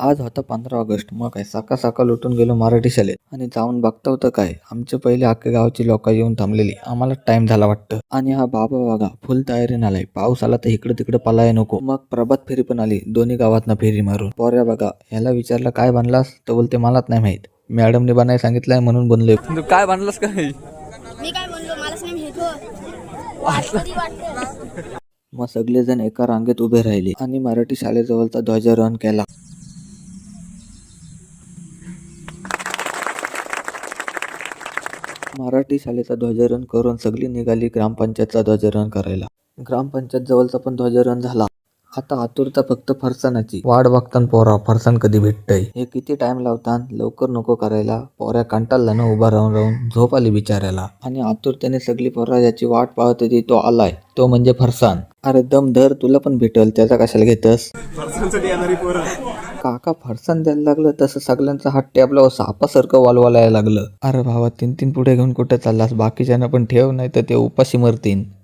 आज होता 15 ऑगस्ट. मग काय सकाळ सकाळ उठून गेलो मराठी शाळेत आणि जाऊन बघता होतं काय आमच्या पहिले अख्ख्या गावची लोक येऊन थांबलेली. आम्हाला टाइम झाला वाटतं आणि हा बाबा बघा फुल तयारीने आलाय. पाऊस आला तर इकडे तिकडे पलाय नको. मग प्रभात फेरी पण आली दोन्ही गावातना फेरी मारून. पोऱ्या बघा ह्याला विचारलं काय बनलास तर बोलते मलाच नाही माहित, मॅडमने बनाय सांगितलंय म्हणून बनलोय. काय बनलास काय? मी काय म्हणलो मलाच नाही माहित हो. वाटतं मग सगळेजण एका रांगेत उभे राहिले आणि मराठी शाळेजवळचा ध्वजारोहण केला. मराठी शाळेचा ध्वजारोहण करून सगळी निघाली ग्रामपंचायतचा ध्वजारोहण करायला. ग्रामपंचायत जवळचा पण ध्वजारोहण झाला. आता आतुरता फक्त फरसाणाची वाट बघतान पोरा, फरसाण कधी भेटतय. हे किती टाइम लावतान, लवकर नको करायला. पोऱ्या कंटाळला ना उभा राहून राहून, झोप आली बिचाऱ्याला. आणि आतुरतेने सगळी पोरा ज्याची वाट पाहत होती तो आलाय, तो म्हणजे फरसाण. अरे दम धर, तुला पण भेटल, त्याचा कशाला घेतस. काका फरसाण द्यायला लागलं तसं सगळ्यांचा हात टॅबला सापासारखं वालवालायला लागलं. अरे भावा तीन तीन पुढे घेऊन कुठे चाललास, बाकीच्यांना पण ठेव नाही तर ते उपाशी मरतीन.